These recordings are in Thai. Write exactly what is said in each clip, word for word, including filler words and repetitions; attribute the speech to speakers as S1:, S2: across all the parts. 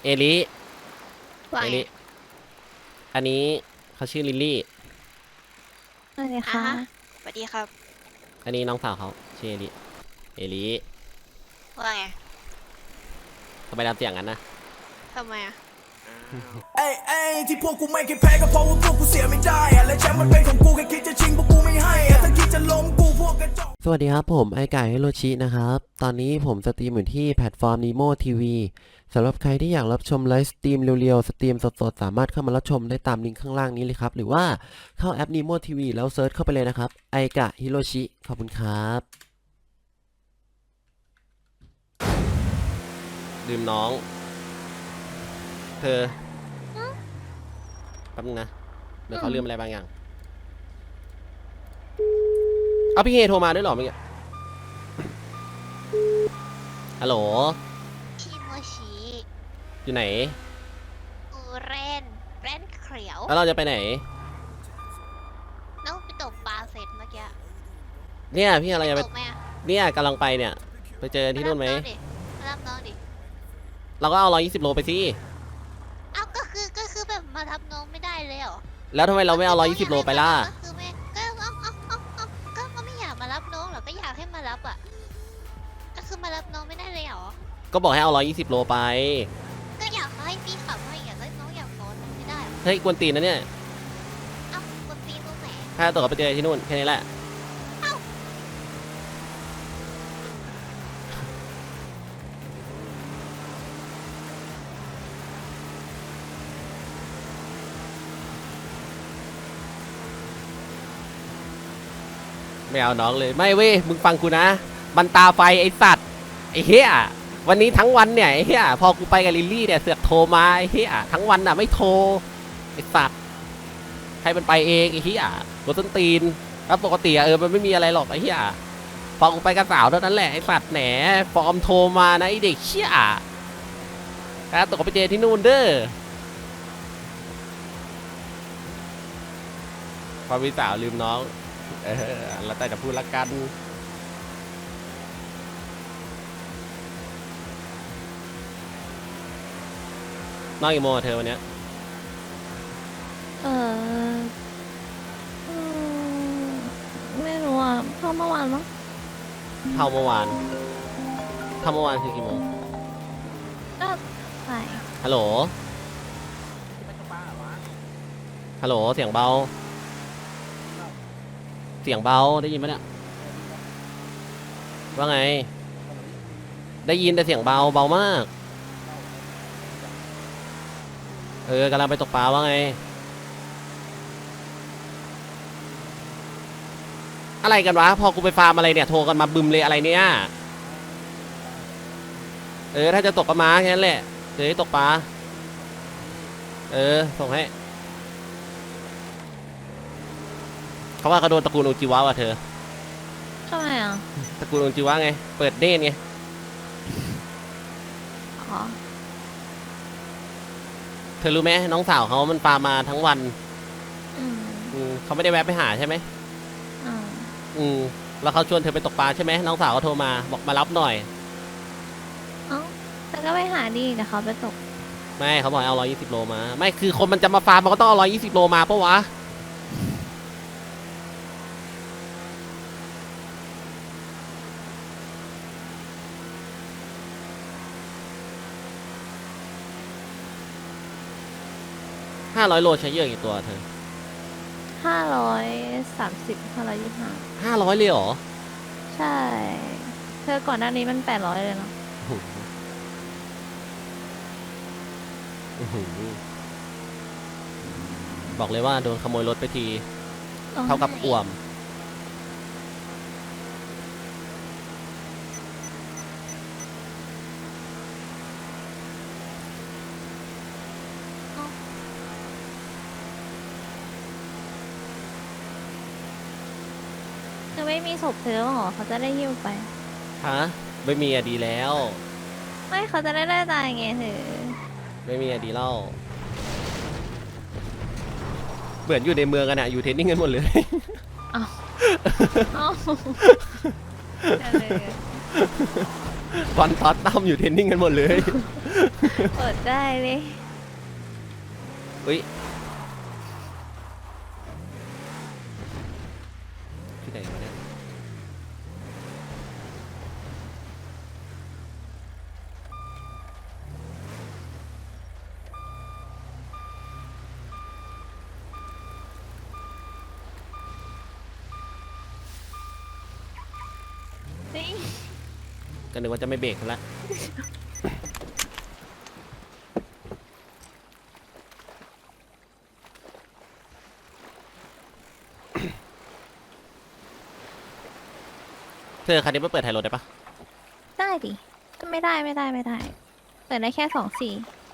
S1: เอลิ
S2: ว่า
S1: เอ
S2: ไง
S1: ลิอันนี้เขาชื่อลิลลี่
S3: สวัสดี
S2: อ่ะ
S3: ค่ะ
S2: ฮะสวัสดีครับ
S1: อันนี้น้องสาวเขาชื่อเอลิเอลิ
S2: ว่าไง
S1: ทำไมทำเสียงงั้นนะ
S2: ทำไมอ่ะ
S4: เอ้ยเอ้ยที่พวกกูไม่เคยแพ้ก็เพราะว่าพวกกูเสียไม่ได้อะและแชมป์มันเป็นของกูแค่คิดจะชิงพวกกูไม่ให้อะถ้าคิดจะล้มกูพวกกระจอก
S5: สวัสดีครับผมไอไก่ฮิโรชินะครับ ตอนนี้ผมสตรีมอยู่ที่แพลตฟอร์ม Nemo ที วี สำหรับใครที่อยากรับชมไลฟ์สตรีมเร็วๆ สตรีมสดๆ สามารถเข้ามารับชมได้ตามลิงก์ข้างล่างนี้เลยครับ หรือว่าเข้าแอป Nemo ที วี แล้วเซิร์ชเข้าไปเลยนะครับไอกะฮิโรชิขอบคุณครับ
S1: ลืมน้อง เธอแป๊บนึงนะเดี๋ยวเขาลืมอะไรบางอย่างเอาพี่เฮโทรมาด้วยเหรอเมื่อกี้ฮัลโหล
S2: ชิโมชิ
S1: อยู่ไหน
S2: อูเรนเรนเขียว
S1: แล้วเราจะไปไหน
S2: น้องไปตกปลาเสร็จเมื่อกี้
S1: เนี่ยพี่อะไรจะไป
S2: ตกไหมอ่ะ
S1: เนี่ยกำลังไปเนี่ยไปเจอที่นู่นไหม
S2: ารับองดิมารับน้องดิ
S1: เราก็เอาร้อยยี่สิบโลไปสิ
S2: เอ้าก็คือก็คือแบบมารับน้องไม่ได้เลยเหรอ
S1: แล้วทำไมเราไม่เอาร้อยยี่สิบโลไปล่ะ
S2: ก็คือไม่ก็เอ้าเอ้าเอ้าเอ้าก็ก็ไม่อยากมารับน้องหรอก็อยากให้มารับอ่ะก็คือมารับน้องไม่ได้เลยเหรอ
S1: ก็บอกให้เอาร้อยยี่สิบโลไป
S2: ก็อยากให้พี่ขับให้อยากให้น้องอยากซ้อนไม่ได้เหรอ
S1: เฮ้ยกวนตีนนะเนี่ย
S2: เอ้ากดตีนตรงไหน
S1: ถ้าตกไปเจอที่นู่นแค่นี้แหละไม่เอาน้องเลยไม่เว้ยมึงฟังกูนะบันตาไฟไอสัตว์ไอเฮียวันนี้ทั้งวันเนี่ยไอเฮียพอกูไปกับลิลลี่เนี่ยเสือกโทรมาไอเฮียทั้งวันน่ะไม่โทรไอสัตว์ให้มันไปเองไอเฮียกดต้นตีนแล้วปกติอะเออมันไม่มีอะไรหรอกไอเฮียพอกูไปกับสาวเท่านั้นแหละไอสัตว์แหนฟอร์มโทรมานะไอเด็กเชี่ยแล้วตกไปเจอที่นู่นเด้อพอมีสาวลืมน้องเออแล้วแต่จะพูดละกันน้องกี่โมงอะเธอวันเนี้ย
S3: เอออืมไม่รู้อ่ะเพ่อเมื่อวานมั้ง
S1: เท่าเมื่อวานเท่าเมื่อวานคือกี่โมง
S3: ก็ใส่
S1: ฮัลโหล ฮัลโหล เสียงเบา เสียงเบา ได้ยินไหมเนี่ย ว่าไง ได้ยินแต่เสียงเบา เบามาก เออกำลังไปตกปลาว่าไง อะไรกันวะ พอกูไปฟาร์มอะไรเนี่ย โทรกันมาบึมเลยอะไรเนี่ย เออ ถ้าจะตกก็มาแค่นั้นแหละเดี๋ยวให้ตกปลา เออ ส่งให้ เขาว่าเขาโดนตระกูลโอจิวะว่ะเธอ
S3: ทำไมอ่ะ
S1: ตระกูลโอจิวะไง เปิดเน่นไง
S3: อ๋อ
S1: เธอรู้ไหมน้องสาวเขามันฟาร์มมาทั้งวัน
S3: อืม
S1: อืมเขาไม่ได้แวะไปหาใช่ไหม
S3: อ่า
S1: อืมแล้วเขาชวนเธอไปตกปลาใช่ไหมน้องสาวเขาโทรมาบอกมารับหน่อย
S3: เอ้าแต่ก็ไปหาดีแต่เขาไปตก
S1: ไม่เขาบอกให้เอาร้อยยี่สิบโลมา ไม่คือคนมันจะมาฟาร์มมันก็ต้องเอาร้อยยี่สิบโลมาปะวะห้าร้อยโลใช้เยอะกี่ตัวเธอ
S3: ห้าร้อยสามสิบห้าร้อยยี่สิบห้า
S1: ห้าร้อยเลยเหรอ
S3: ใช่ เธอก่อนหน้านี้มันแปดร้อยเลยเนาะ
S1: อื้อหือบอกเลยว่าโดนขโมยรถไปที เท่ากับอ่วม
S3: เธอไม่มีศพเธอหรอเขาจะได้หิ้วไป
S1: ฮะ ไม่มีอะดีแล้ว
S3: ไม่เขาจะได้ได้ตายไงเธอ
S1: ไม่มีอะดีเล่าเหมือนอยู่ในเมืองกันอะอยู่เทรนนิ่งกันหมดเลย
S3: เอ้าเอ้าอะไรอะ
S1: บอลท็อตตั้มอยู่เทรนนิ่งกันหมดเลย
S3: อดได้เลย
S1: อุ้ยที่ไหนวะเนี่ย
S3: นี่
S1: ก็นึกว่าจะไม่เบรกแล้ว เธอคันนี้ไม่เปิดไทยรถได้ปะ
S3: ได้ดิ ไม่ได้ไม่ได้ไม่ได้ เปิดได้แค่สองสี่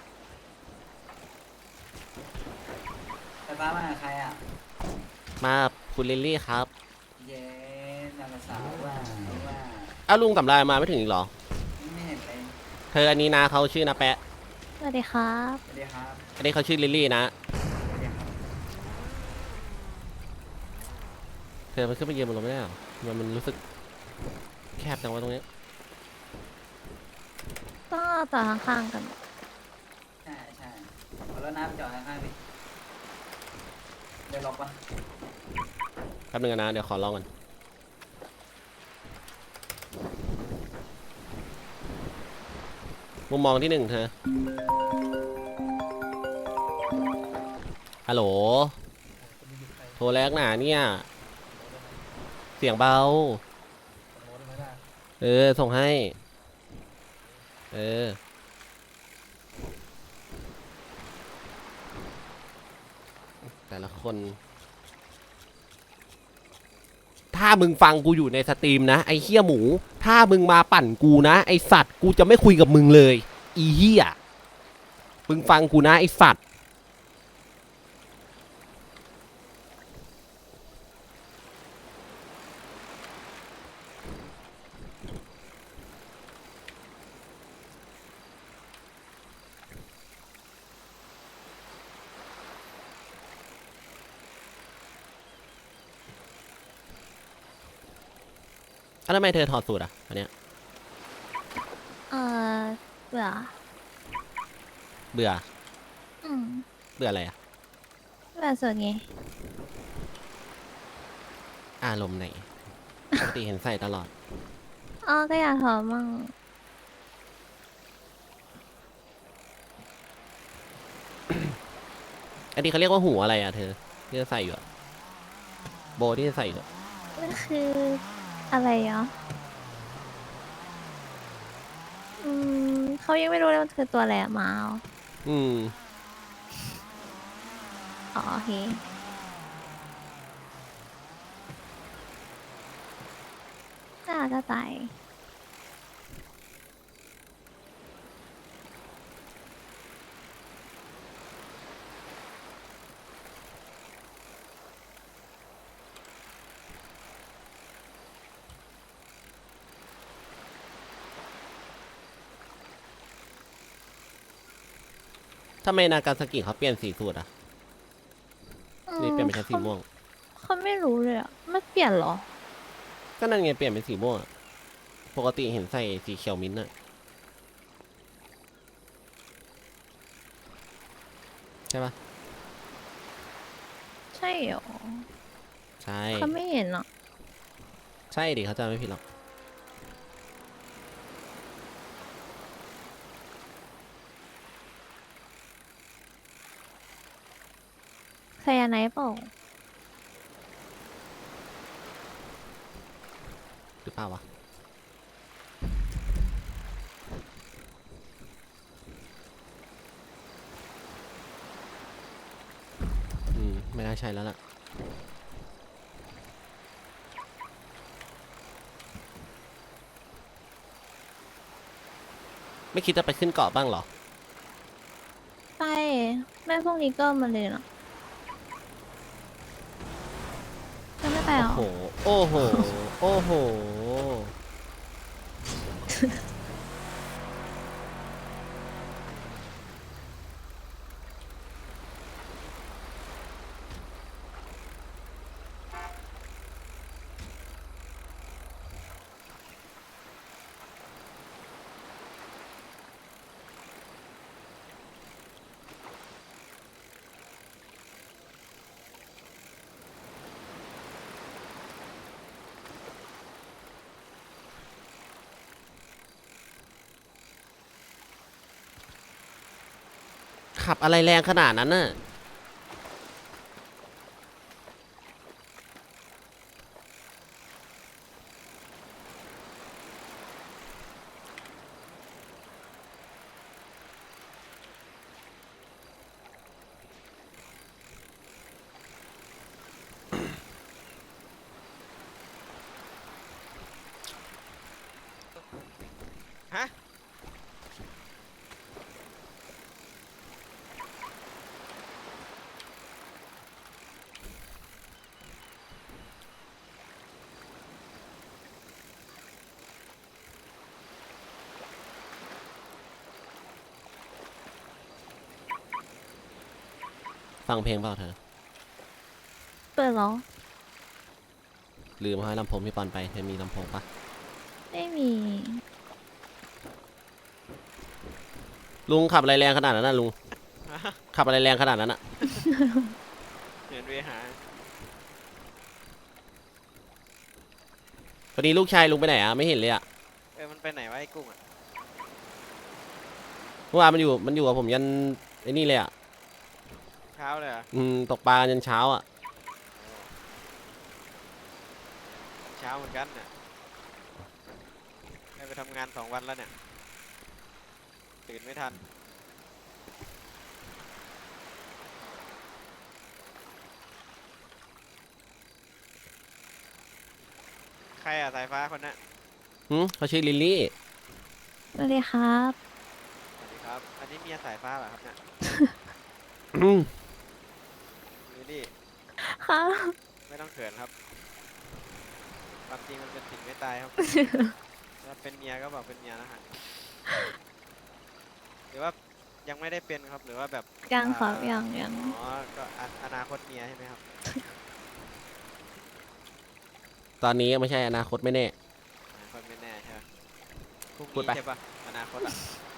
S6: ไฟฟ้ามากับใครอ่ะ
S1: มาคุณลิลลี่ครับ
S6: เย้นางสาวว่าว่า
S1: อ้าวลุงสำรายมาไม่ถึงอีกเหรอ
S6: ไม่เห็นเลย
S1: เธออันนี้นะเขาชื่อนาแปะ
S3: สวัสดีครับ
S6: สวัสดีครับ
S1: อันนี้เขาชื่อลิลลี่นะ
S6: สวัสดีครับ
S1: เธอมันขึ้นไปยืนบนรถไม่ได้เหรอมันมันรู้สึกแคบจังวะตรงเนี้ย
S3: ก็ต่อข้างๆกัน
S6: ใช่ใช่เอาแล้วน้ำจอดข้างๆดิเดี๋ยวล็อกปะ
S1: แป๊บนึงนะเดี๋ยวขอลองก่อนมุมมองที่หนึ่งเธอฮัลโหลโทรแรกหนาเนี่ยเสียงเบาเออส่งให้เออแต่ละคนถ้ามึงฟังกูอยู่ในสตรีมนะไอ้เหี้ยหมูถ้ามึงมาปั่นกูนะไอ้สัตว์กูจะไม่คุยกับมึงเลยอีเหี้ยมึงฟังกูนะไอ้สัตว์แล้วทำไมเธอถอดสูตรอ่ะอันเนี้ย
S3: เออเบื่อ
S1: เบื่อ
S3: อืม
S1: เบื่ออะไรอ่ะ
S3: เบื่อสุดไง
S1: อารมณ์ไหนปกติเห็นใส่ตลอด
S3: อ๋อก็อยากถอดมั่ง
S1: อันนี้เขาเรียกว่าหูอะไรอ่ะเธอที่จะใส่อยู่อะโบที่จะใส่อยู่อะ
S3: มันคืออะไรเหรออืมเขายังไม่รู้เลยมันคือตัวอะไรอะหมาเหรอ
S1: อืม
S3: อ๋อโอเคน่าจะตาย
S1: ทำไมนากาซากิเขาเปลี่ยนสีสูตรอ่ะ นี่เปลี่ยนเป็นแค่สีม่วง
S3: เขาไม่รู้เลยอ่ะไม่เปลี่ยนเหรอ
S1: ก็นั่นไงเปลี่ยนเป็นสีม่วงอะปกติเห็นใส่สีเขียวมิ้นท์อะใช่ปะ
S3: ใช่เหรอ
S1: ใช่
S3: เขาไม่เห็นอ่ะ
S1: ใช่ดิเขาจำไม่ผิดหรอก
S3: ไซยาไนด์เปล่า
S1: หรือเปล่าวะ อืม ไม่น่าใช่แล้วล่ะ ไม่คิดจะไปขึ้นเกาะบ้างเหรอ
S3: ไปแม่พวกนี้ก็มาเลยนะจะไม่ไป
S1: โอ้
S3: เหรอ
S1: โห โอ้โห โอ้โหขับอะไรแรงขนาดนั้นน่ะฮะฟังเพลงเปล่าเธอ
S3: เปิดเหรอ
S1: ลืมเอาให้ลำโพงพี่ปอนไปเธอมีลำโพงปะ
S3: ไม่มี
S1: ลุงขับอะไรแรงขนาดนั้นน่ะลุง ขับอะไรแรงขนาดนั้นน่ะ
S7: เห็นเวหา
S1: วันนี้ลูกชายลุงไปไหนอ่ะไม่เห็นเลยอ่ะ
S7: เออ มันไปไหนวะไอ้กุ้งอ่ะ
S1: เมื่อวานมันอยู่มันอยู่กับผมยันไอ้นี่เลยอ่ะ
S7: เช้าเลยเหรอ่ะ
S1: อืมตกปลายันเช้าอ่ะ
S7: เช้าเหมือนกันเนี่ยได้ไปทำงานสองวันแล้วเนี่ย ตื่นไม่ทัน ใครอ่ะสายฟ้าคนนั้น
S1: หืมเขาชื่อลิลลี่
S3: สวัสดีครับ
S7: สวัสดีครับ อันนี้เมียสายฟ้าเหรอครับเนี่ย
S1: อืม
S7: ลิลลี่
S3: ครับ
S7: ไม่ต้องเขินครับ ความจริงมันเป็นสิ่งไม่ตายครับ ถ้าเป็นเมียก็บอกเป็นเมียนะฮะ หรือว่ายังไม่ได้เป็นครับ หรือว่าแบบ
S3: ยังครับ
S7: อ่า
S3: ยังยัง
S7: อ๋อ ก็ออนาคตเมียใช่ไหมครับ
S1: ตอนนี้ไม่ใช่อนาคตไม่แน่
S7: อนาคตไม่แน่ใช่ไหมพรุ่ง
S1: พูด
S7: นี้
S1: ไป
S7: ใช่ปะอนาคตอ่ะ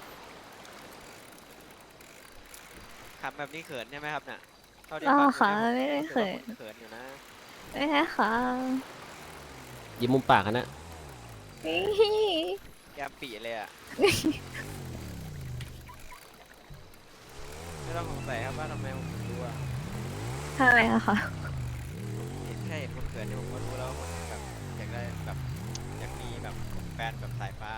S7: ขับแบบนี้เขินใช่ไหมครับเนี่ยเท่าที่
S3: อ๋อ
S7: ฟัง
S3: ค่ะ
S7: ดู
S3: ไม่ได้
S7: นี่ย
S3: เขิน
S7: รู้สึกว่าคุณเขินอยู่นะ
S3: ไม่ใช่ค่ะ
S1: ยิ้มมุมปากกันนะ
S3: นี่
S7: แกมปีเลยอ่ะ ไม่ต้องสงสัยครับว่าทำไมผมถึงรู้อ่ะ
S3: ทำไมอะคะ
S7: เห็นแค่เห็นคนเขินเนี่ยผมก็รู้แล้วว่าคนแบบอยากได้แบบอยากมีแบบแฟนแบบสายฟ้า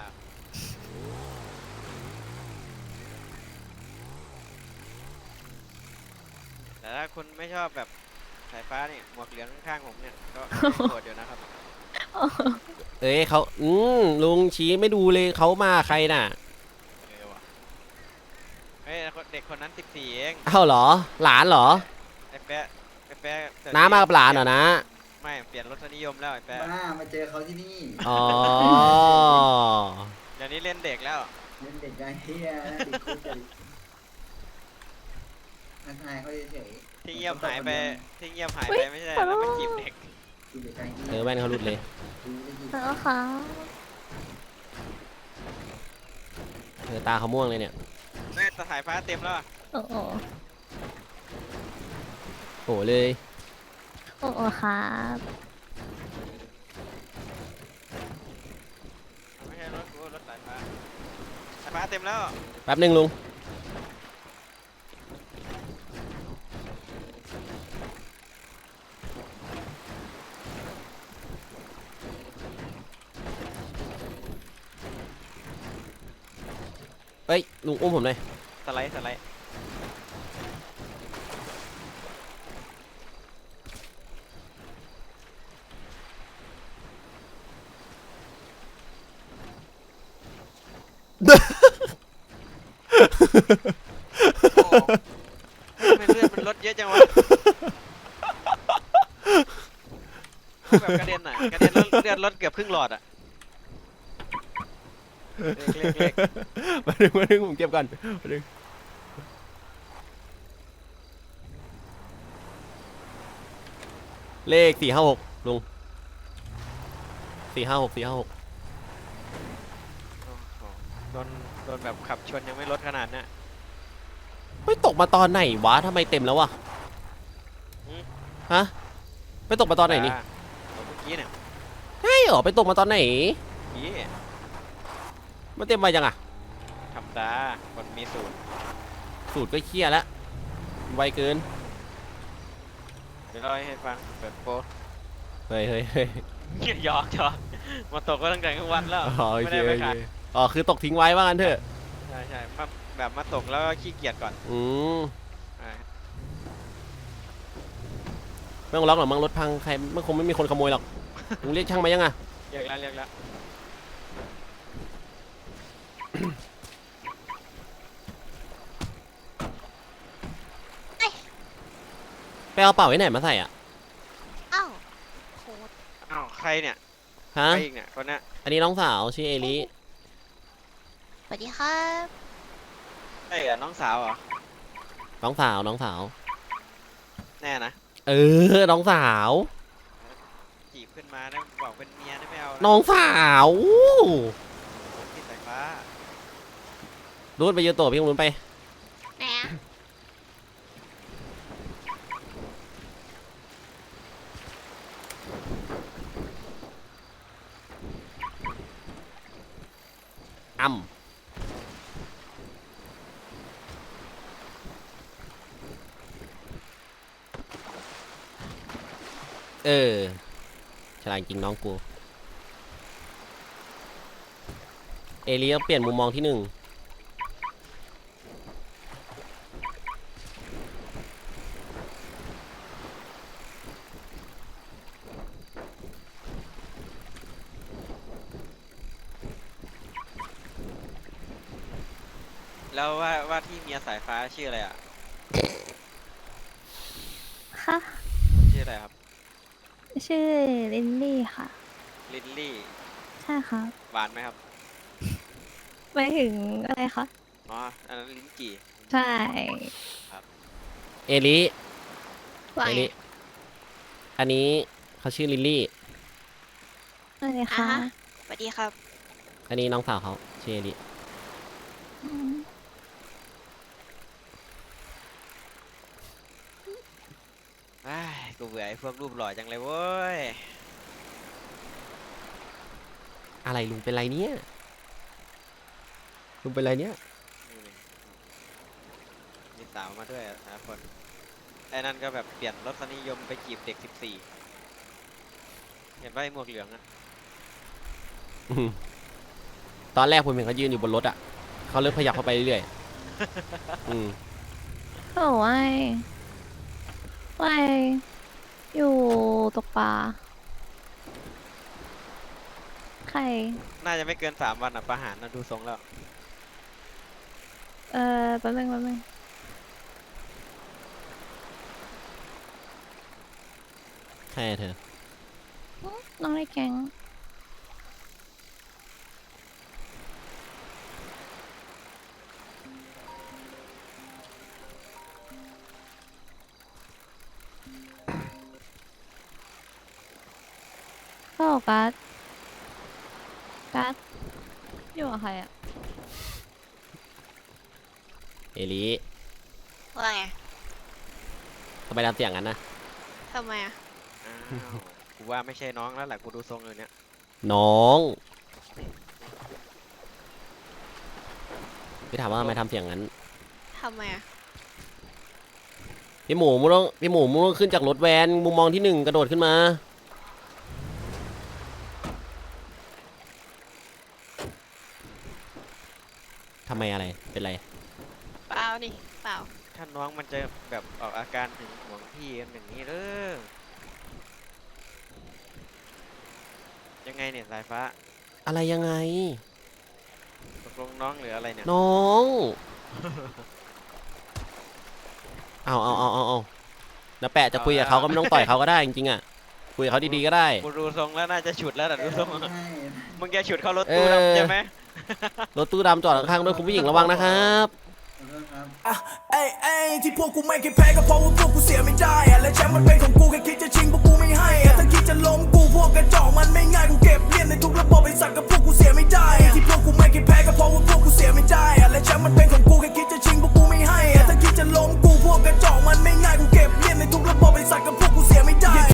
S7: แต่ถ้าคุณไม่ชอบแบบสายฟ้าเนี่ยหมวกเหลืองข้างๆผมเนี่ยก็โกรธอยู่นะครับ
S1: เอ้ยเขาอืมลุงชี้ไม่ดูเลยเขามาใครน่ะ
S7: เออว่ะเฮ้ยเด็กคนนั้นสิบสี่เอง
S1: เอ้าเหรอ หลานเหรอ
S7: ไอ้แป๊ะไอ้แป๊ะเดี๋ยว
S1: น้ามากับหลานเหรอนะ
S7: ไม่เปลี่ยนรสนิยมแล้วไอ้แป๊ะ
S8: บ้ามาเจอเขาที่นี่
S1: อ๋อ
S7: เดี๋ยวนี้เล่นเด็กแล้ว
S8: เล่นเด็กไงเฮียนะติดคุกเลยทักทายเขาเฉยๆ
S7: ที่เงียบหายไปที่เงียบหายไปไม่ใช่แล้วไปจีบเด็ก
S8: ดูเด็กไงเฮีย
S1: เออแว่นเขาหลุดเลย
S8: ดูได้ยิน
S3: แล้วค่ะ
S1: เออตาเขาม่วงเลยเนี่ย
S7: แม่สายฟ้าเต็มแล้วอะ
S3: โอ้โห
S1: โหเลย
S3: โอ้โหครับ
S7: ไม่ใช่รถกูรถสายฟ้าสายฟ้าเต็มแล้ว
S1: แป๊บหนึ่งลุง เฮ้ย ลุงอุ้มผมหน่อย
S7: สไลด์สไลด์ โอ้ทำไมเลือดมันลดเยอะจังวะแบบกระเด็นอ่ะกระเด็นแล้วเลือดลดเกือบครึ่งหลอดอ่ะเล็กเล็ก
S1: มาดึงมาดึงผมเก็บก่อนมาดึงเลขสี่ห้าหกลุงสี่ห้าหกสี่ห้าหก
S7: โอ้โหโดนโดนแบบขับชนยังไม่ลดขนาดเนี้ย
S1: ไม่ตกมาตอนไหนวะทำไมเต็มแล้ววะ
S7: อืม
S1: ฮะไปตกมาตอนไหนนี่
S7: อ่าเมื่อกี้เนี่ย
S1: ใช่เหรอไปตกมาตอนไหน
S7: เมื่อกี้
S1: มันเต็มไปจังอะ
S7: ธรรมดาคนมีสูตร
S1: สูตรก็เครียดแล้วไวเกิน
S7: เดี๋ยวเราให้ฟังเปิดโป๊
S1: เฮ้ยเฮ้ยเฮ้ย
S7: หยอกหยอกมาตกก็ตั้งแต่กลางวันแล้ว
S1: อ๋อโอ
S7: ไม่
S1: เค
S7: ได้ไป
S1: โอเค
S7: ขาย
S1: อ๋อคือตกทิ้งไว้ว่างั้นเถอะ
S7: ใช่ใช่มาแบบมาตกแล้วก็ขี้เกียจก่อน
S1: อืม
S7: อ่า
S1: ไม่ต้องล็อกหรอกมั้งรถพังใครมันคงไม่มีคนขโมยหรอกมึงเรียกช่างมายังอ่ะ
S7: เรียกแล้วเรียกแล้ว
S1: ไปเอาเป่าไว้ไหนมาใส่อ่ะ
S2: เอ้าโคตร
S7: อ้าวใครเนี่ย
S1: ฮะ
S7: ใครอีกเนี่ยคนเนี้ย
S1: อันนี้น้องสาวชื่อเอลิ
S2: สวัสดีครับ
S7: ใช่เหรอน้องสาวเหรอ
S1: น้องสาวน้องสาว
S7: แน่นะ
S1: เออน้องสาว
S7: จีบขึ้นมาได้บอกเป็นเมียได้ไม่เอา
S1: น้องสาว
S7: พี่สายฟ้า
S1: รูดไปยืนตัวพี่รุนไป
S2: แหน
S1: อ่ำเออฉลาดจริงน้องกู เอลิต้องเปลี่ยนมุมมองที่หนึ่ง
S7: แล้วว่าว่าที่เมียสายฟ้าชื่ออะไรอ่ะ
S3: ค่ะ
S7: ชื่ออะไรครับ
S3: ชื่อลินลี่ค่ะ
S7: ลินลี่
S3: ใช่ครับ
S7: หวานไหมครับ
S3: ไปถึงอะไรคะ
S7: อ๋ออันนั้นลิ้นจี่
S3: ใช่
S1: เอลิ
S2: ว่า
S1: เอ
S2: ไง
S1: ลิอันนี้เขาชื่อลิลลี่
S3: อะไร
S2: อ่ะ
S3: คะ
S2: ฮะสวัสดีครับ
S1: อันนี้น้องสาวเขาชื่อเอลิ
S3: อืม
S7: อ้ายกูเบื่อไอ้พวกรูปหล่อจังเลยเว้ย
S1: อะไรลุงเป็นไรเนี่ยลุงเป็นไรเนี่ย
S7: นี่เลยมีสาวมาด้วยอ่ะนะคนไอ้นั่นก็แบบเปลี่ยนรสนิยมไปจีบเด็กสิบสี่เห็นว่าไอ้หมวกเหลืองอ่ะ
S1: อืมตอนแรกผมเห็นเขายืนอยู่บนรถอ่ะเขาเริ่มขยับเข้าไปเรื่อยๆอืม
S3: โอ้ยไปอยู่ตกปลาใคร
S7: น่าจะไม่เกินสามวันอ่ะประหารนะดูทรงแล้ว
S3: เออแป๊บนึงแป๊บนึง
S1: ใช่เธอ
S3: น้องในแก๊งก็การ์ดการ์ดอยู่กับใครอ่ะ
S1: เอลิ
S2: ว่าไง
S1: ทำไมทำเสียงงั้นนะ
S2: ทำไมอ่ะ
S7: อ้าวกูว่าไม่ใช่น้องแล้วแหละกูดูทรงเลยเนี่ย
S1: น้องพี่ถามว่าทำไมทำเสียงงั้น
S2: ทำไมอ่ะ
S1: พี่หมูมึงต้องพี่หมูมึงต้องขึ้นจากรถแวนมุมมองที่หนึ่งกระโดดขึ้นมาทำไมอะไรเป็นไร
S2: เปล่านี่เปล่า
S7: ถ้าน้องมันจะแบบออกอาการถึงห่วงพี่กันอย่างนี้เด้อยังไงเนี่ยสายฟ้า
S1: อะไรยังไง
S7: ตกลงน้องหรืออะไรเนี่ย
S1: น้องเอาเอาเอาเอาเอาแล้วแปะจะคุยกับเขาก็ไม่ต้องต่อยเขาก็ได้จริงๆอ่ะคุยกับเขาดีๆก็ได้
S7: กูดูทรงแล้วน่าจะฉุดแล้วแต่ดูทรง
S8: ใช่
S7: มึงแกฉุดเข้ารถตู้
S1: เออ
S7: ดำใช่ไหม
S1: รถตู้ดำจอดข้างๆด้วยคุณผู้หญิงระวังนะครับ
S8: ขอโทษครับ
S4: อ่ะเอ้ยเอ้ยที่พวกกูไม่เคยแพ้ก็เพราะว่าพวกกูเสียไม่ได้อะและแชมป์มันเป็นของกูแค่คิดจะชิงพวกกูไม่ให้อะถ้าคิดจะล้มกูพวกกระจอกมันไม่ง่ายกูเก็บเลียนในทุกระบบไอ้สัตว์กับพวกกูเสียไม่ได้อะที่พวกกูไม่เคยแพ้ก็เพราะว่าพวกกูเสียไม่ได้อะและแชมป์มันเป็นของกูแค่คิดจะชิงพวกกูไม่ให้อะถ้าคิดจะล้มกูพวกกระจอกมันไม่ง่ายกูเก็บเลียนในทุกระบบไอ้สัตว์กับพวก